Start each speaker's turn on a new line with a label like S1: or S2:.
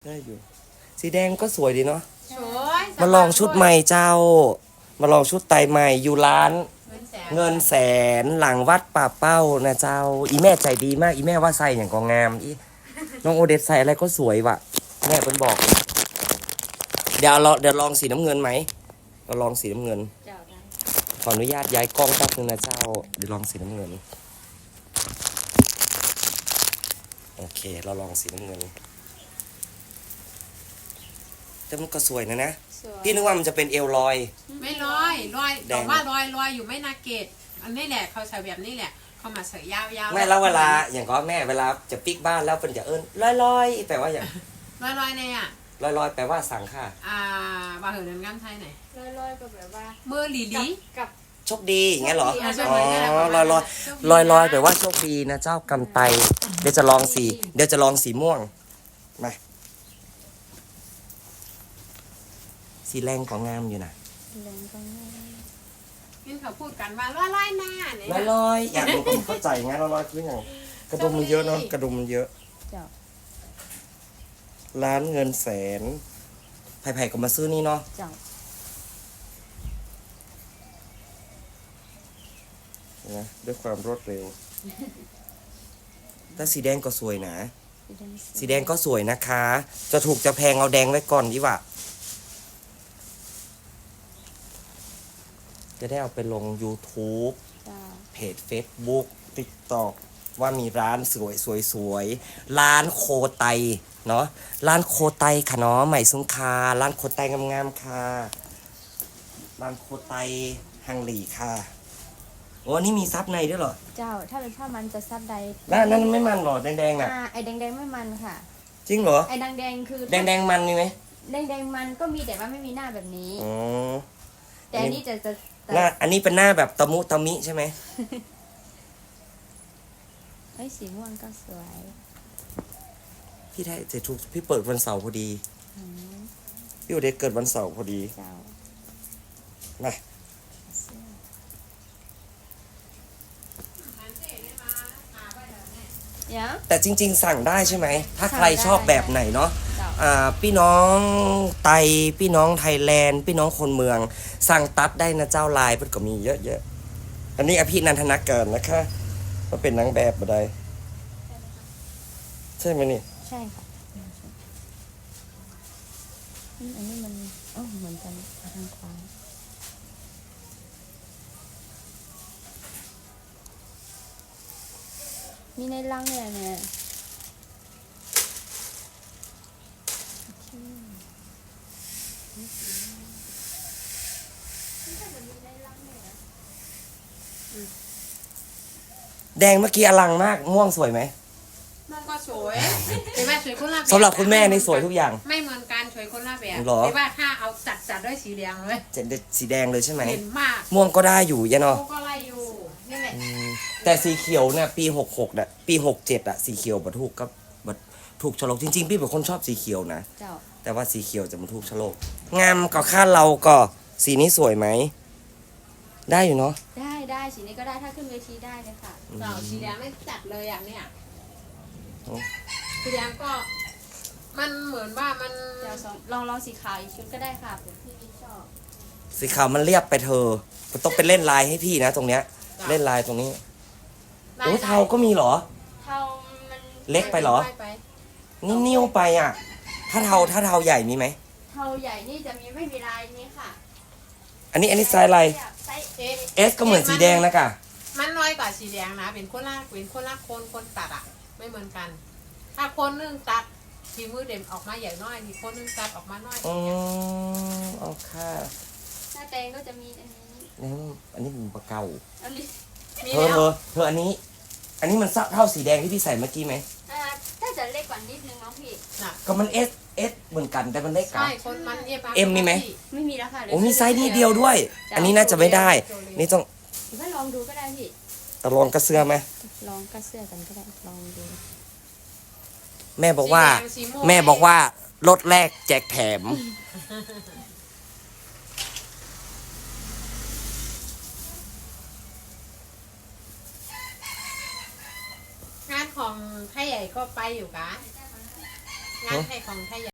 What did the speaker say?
S1: ได้อยู่สีแดงก็สวยดีเนาะ
S2: สวย
S1: มาลองชุดใหม่เจ้า มาลองชุดไตใหม่อยู่ร้านเงินแสนหลังวัดป่าเป้านะเจ้า อีแม่ใจดีมากอีแม่ว่าใส่อย่างก็งามอีน้องโอเดตใส่อะไรก็สวยว่ะแม่เพิ่นบอก เดี๋ยวลองสีน้ำเงินไหมเราลองสีน้ำเงินขออนุญาตย้ายกล้องแป๊บนึงนะเจ้าเดี๋ยวลองสีน้ำเงินโอเคเราลองสีน้ำเงินแต่มันก็สวยนะพี่นึกว่ามันจะเป็นเอวลอย
S2: ไม่ลอยบอกว่าลอยอยู่ไม่นาเกตอันนี้แหละเขาใส่แบบนี้แหละเขามาใส่ยาว
S1: ไม่แล้วเวลาอย่างก็แม่เวลาจะปิกบ้านแล้วเป็นจะลอยแปลว่าอย่าง
S2: ลอยเนี่ย
S1: ลอยแปลว่าสั่งค่ะ
S2: บาเหินเดินงามไทยไหน
S3: ลอยก็แบบว่า
S2: มือหลี
S3: กับ
S1: โชคดีอย่างเงี้ยเหรอ
S2: อ๋อ
S1: ลอยแปลว่าโชคดีนะเจ้ากำไตเดี๋ยวจะลองสีม่วงมาสีแรงของงามอยู่นะ
S2: นี่เขาพูดกันว่าลอยหน้าเนี่ย
S1: ลอยอยากรู้ผมเข้าใจไงลอยคืออย่างกระดุมมันเยอะเนาะกระดุมมันเยอะร้านเงินแสนไผ่ก็มาซื้อนี่เนาะนะด้วยความรวดเร็วแต่สีแดงก็สวยนะสีแดงก็สวยนะคะจะถูกจะแพงเอาแดงไว้ก่อนดีกว่าจะได้เอาไปลง YouTube เพจ Facebook TikTok ว่ามีร้านสวยร้านโคไตเนาะร้านโคไตค่ะเนาะใหม่สุงคาร้านโคไตงามๆค่ะร้านโคไตฮังหลีค่ะโอ้นี่มีซับในด้วยเหรอ
S3: เจ้าถ้าเป็นผ้ามันจะซับใด
S1: นั่นไม่มันหรอแดงๆน่ะ
S3: ไอ้แดงไม่มันค่ะ
S1: จริงเหรอ
S3: ไอ้แดงคือ
S1: แดงมันมีไหม
S3: แดงมันก็มีแต่ว่าไม่มีหน้าแบบนี้
S1: อ๋อ
S3: แต่อันนี้จะ
S1: หน้าอันนี้เป็นหน้าแบบตะมุตะมิใช่ไหม
S3: ไอ้สีม่วงก็สวย
S1: พี่ได้จะถูกพี่เปิดวันเสาร์พอดีพี่โอเดชเกิดวันเสาร์พอดีมาแต่จริงๆสั่งได้ใช่ไหมถ้าใครชอบแบบไหนเนาะพี่น้องไตพี่น้องไทยแลนด์พี่น้องคนเมืองสั่งตัดได้นะเจ้าลายมันก็มีเยอะๆอันนี้อภินันทนาเกินนะคะมาเป็นนางแบบมาได้ใช่ไหมนี่
S3: ใช่ค่ะอันนี้มันเหมือนกันทางขวามีในรังเนี่ย
S1: แดงเมื่อกี้อลังมากม่วงสวยไหม
S2: ม่วงก็สวยแต่ว่าสวยคนละแบบ
S1: สำหรับคุณแม่นี่สวยทุกอย่าง
S2: ไม่เหมือนกันสวยคนละแบบ
S1: แต่
S2: ว่าถ้าเอาจัดด้วยสีแดงเลย
S1: สีแดงเลยใช่ไหม
S2: เห็นมาก
S1: ม่วงก็ได้อยู่ยะเนาะ
S2: ม่วงก็ไล่อยู่นี่แหละ
S1: แต่สีเขียวเนี่ยปี66น่ะปี67อ่ะสีเขียวบัถูกก็บัถูกฉลกจริงๆพี่เป็นคนชอบสีเขียวนะแต่ว่าสีเขียวจะมาถูกฉลกงามก็ค่าเราก็สีนี้สวยไหมได้อยู่เนาะ
S3: ได้สีนี้ก็ได้ถ้าขึ้นเวทีได้เลยค่ะ
S2: สีแดงไม่จัดเลยอย่างเนี้ยสีแดงก็มันเหมือนว่ามัน
S3: เดี๋ยวลองสีขาวอีกชุดก็ได้ค่ะเผื่อพี่ชอบ
S1: สีขาวมันเรียบไปเธอมันต้องเป็นเล่นลายให้พี่นะตรงเนี้ยเล่นลายตรงนี้โอ้เทาก็มีเหรอ
S3: เทามัน
S1: เล็กไปเหรอนี่นิ้วไปอ่ะถ้าเทาใหญ่มีไหม
S3: เทาใหญ่นี่จะมีไม่มีลายนี้ค่ะ
S1: อันนี้ไซส์อะไรเอสก็เหมือนสีแดงนะกะ
S2: มันน้อยกว่าสีแดงนะเป็นคนละคนตัดอ่ะไม่เหมือนกันถ้าคนนึงตัดทีมือเด่นออกมาใหญ่น้อยมีคนนึงตัดออกมาน้อย
S1: โอเค
S3: หน้าแตงก็จะมีอันนี้
S1: เป็นปลาเก่าเธออันนี้มันเท่าสีแดงที่พี่ใส่เมื่อกี้ไหม
S3: ถ้าจะเล็กกว่านิดนึงเนาะพี่
S1: ก็มันเอสเหมือนกันแต่มันเล็กกว่า
S2: ใช่คนมัน
S1: เอ็มมีไหม
S3: ไม่มีแล้วค่ะ
S1: โอ้มีไซส์นี้เดียวด้วยอันนี้น่าจะไม่ได้นี่ต้อง
S3: ถ้าลองดูก็ได้พี่
S1: ลองกระเสื้อไหม
S3: ลองกระเสื้อกันก็ได้ลองดู
S1: แม่บอกว่ารถแรกแจกแถม
S2: งานของไทยใหญ่ก็ไปอยู่กะงานไทยของไทยใหญ่